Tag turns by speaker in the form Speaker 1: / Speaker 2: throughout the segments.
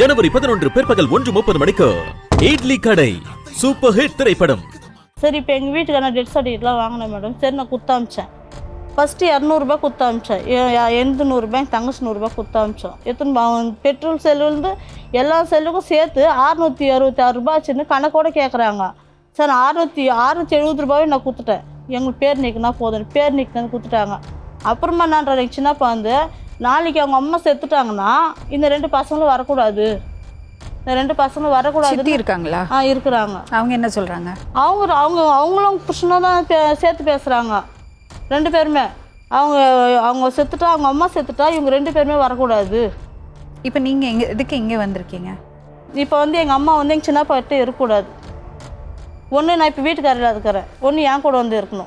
Speaker 1: ஜனவரி 11 பிற்பகல் 1:30 மணிக்கு இட்லி கடை சூப்பர் ஹிட் திரைப்படம்.
Speaker 2: சரி, இப்போ எங்கள் வீட்டுக்கான டெத் சர்டிஃபிகேட்லாம் வாங்கினேன் மேடம். சரி, நான் குத்தாமிச்சேன். ஃபஸ்ட்டு 200 குத்தாமிச்சேன். எந்த 100 என் தங்கச்சி 100 குத்தாமிச்சோம். எத்தனை பெட்ரோல் செல்லுலேருந்து எல்லா செல்லுக்கும் சேர்த்து 666 ரூபா ஆச்சுன்னு கணக்கோட கேட்குறாங்க. சார் 670 ரூபாவே நான் கொடுத்துட்டேன். எங்களுக்கு பேர் நீக்கினா போதும், பேர் நீக்கினு கொடுத்துட்டாங்க. அப்புறமா நான் எங்கள் சின்னப்பா வந்து நாளைக்கு அவங்க அம்மா செத்துட்டாங்கன்னா இந்த 2 பசங்களும் வரக்கூடாது, இந்த 2 பசங்களும் வரக்கூடாது
Speaker 3: இருக்காங்களா?
Speaker 2: இருக்கிறாங்க.
Speaker 3: அவங்க என்ன சொல்கிறாங்க?
Speaker 2: அவங்களும் புருஷனாக தான் சேர்த்து பேசுகிறாங்க. 2 பேருமே அவங்க செத்துட்டா, அவங்க அம்மா செத்துட்டா இவங்க 2 பேருமே வரக்கூடாது.
Speaker 3: இப்போ நீங்கள் எதுக்கு இங்கே வந்திருக்கீங்க?
Speaker 2: இப்போ வந்து எங்கள் அம்மா வந்து எங்கள் சின்னப்பா கிட்ட இருக்கக்கூடாது. ஒன்று நான் இப்போ வீட்டுக்காரில் இருக்கிறேன், ஒன்று என் கூட வந்து இருக்கணும்.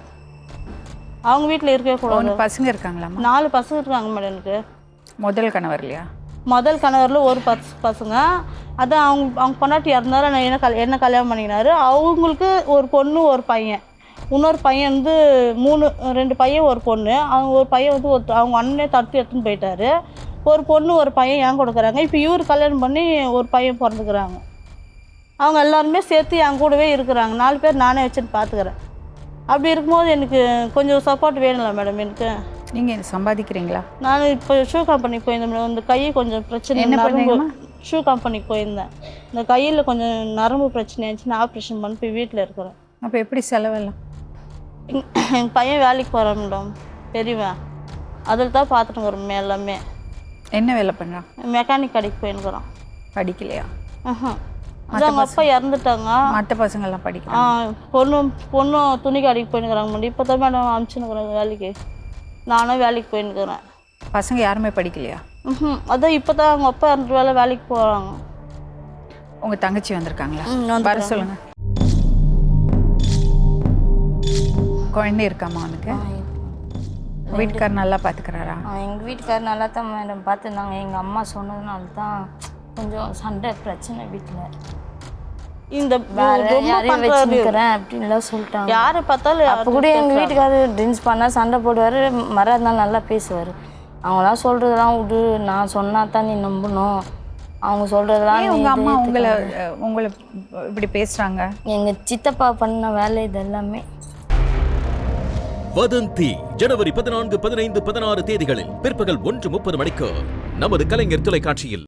Speaker 2: அவங்க வீட்டில் இருக்கவே கூடாது.
Speaker 3: பசங்க இருக்காங்களாம்மா?
Speaker 2: 4 பசங்க இருக்காங்க மேடம். எனக்கு
Speaker 3: முதல் கணவர் இல்லையா?
Speaker 2: முதல் கணவரில் ஒரு பசங்க. அதான் அவங்க பொண்டாட்டி இறந்தாரு, என்ன கல்யாணம் பண்ணிக்கினாரு. அவங்களுக்கு ஒரு பொண்ணு ஒரு பையன். இன்னொரு பையன் வந்து 2 பையன் ஒரு பொண்ணு. அவங்க ஒரு பையன் வந்து அவங்க அண்ணனே தடுத்து எடுத்துன்னு போயிட்டாரு. ஒரு பொண்ணு ஒரு பையன் ஏன் கொடுக்குறாங்க. இப்போ இவர் கல்யாணம் பண்ணி ஒரு பையன் பிறந்துக்கிறாங்க. அவங்க எல்லாருமே சேர்த்து என் கூடவே இருக்கிறாங்க. 4 பேர் நானே வச்சுன்னு பார்த்துக்கிறேன். அப்படி இருக்கும்போது எனக்கு கொஞ்சம் சப்போர்ட் வேணும்ல மேடம். எனக்கு
Speaker 3: நீங்கள் சம்பாதிக்கிறீங்களா?
Speaker 2: நான் இப்போ ஷூ கம்பெனிக்கு போயிருந்தேன் மேடம். இந்த கை கொஞ்சம் பிரச்சனை.
Speaker 3: என்ன பண்ணுங்க?
Speaker 2: ஷூ கம்பெனிக்கு போயிருந்தேன். இந்த கையில் கொஞ்சம் நரம்பு பிரச்சனை ஆச்சுன்னு ஆப்ரேஷன் பண்ணி போய் வீட்டில் இருக்கிறேன்.
Speaker 3: அப்போ எப்படி செலவெல்லாம்?
Speaker 2: எங்கள் பையன் வேலைக்கு போகிறான் மேடம், பெரியவன். அதில் தான் பார்த்துட்டு வரோம் எல்லாமே.
Speaker 3: என்ன வேலை பண்ணுறான்?
Speaker 2: மெக்கானிக் கடைக்கு போயிருக்கிறான்.
Speaker 3: படிக்கலையா?
Speaker 2: அதான் அவங்க அப்பா இறந்துட்டாங்க.
Speaker 3: மற்ற பசங்கள்லாம் படிக்கிறாங்க.
Speaker 2: பொண்ணும் துணி கடைக்கு போயின்னுக்குறாங்க மேடம். இப்போ தான் மேடம் அனுப்பிச்சுன்னுக்குறாங்க வேலைக்கு. நானும் வேலைக்கு போயின்னுக்குறேன்.
Speaker 3: பசங்க யாருமே படிக்கலையா?
Speaker 2: அதான் இப்போ தான் அவங்க அப்பா இறந்துட்டு வேலைக்கு போகிறாங்க.
Speaker 3: உங்கள் தங்கச்சி வந்திருக்காங்களா? வர சொல்லுங்கள். குழந்தை இருக்காமா அவனுக்கு? வீட்டுக்கார் நல்லா பார்த்துக்கிறாரா?
Speaker 4: எங்கள் வீட்டுக்கார் நல்லா தான் மேடம் பார்த்துருந்தாங்க. எங்கள் அம்மா சொன்னதுனால தான் கொஞ்சம் சண்டை பிரச்சனை வீட்டில்.
Speaker 2: இந்த
Speaker 4: யாரையும் வச்சுக்கிறேன் அப்படின்லாம் சொல்லிட்டாங்க.
Speaker 2: யாரை பார்த்தாலும்
Speaker 4: அப்போ கூட எங்கள் வீட்டுக்காரர் ட்ரிங்க்ஸ் பண்ணால் சண்டை போடுவார், மறாதனால நல்லா பேசுவார். அவங்களாம் சொல்கிறதெல்லாம் விடு, நான் சொன்னா தான் நீ நம்பணும், அவங்க சொல்கிறதெல்லாம்.
Speaker 3: உங்கள் அம்மா உங்களை இப்படி பேசுகிறாங்க?
Speaker 4: எங்கள் சித்தப்பா பண்ண வேலை இது எல்லாமே.
Speaker 1: வதந்தி ஜனவரி 14, 15, 16 தேதிகளில் பிற்பகல் 1:30 மணிக்கு நமது கலைஞர் தொலைக்காட்சியில்.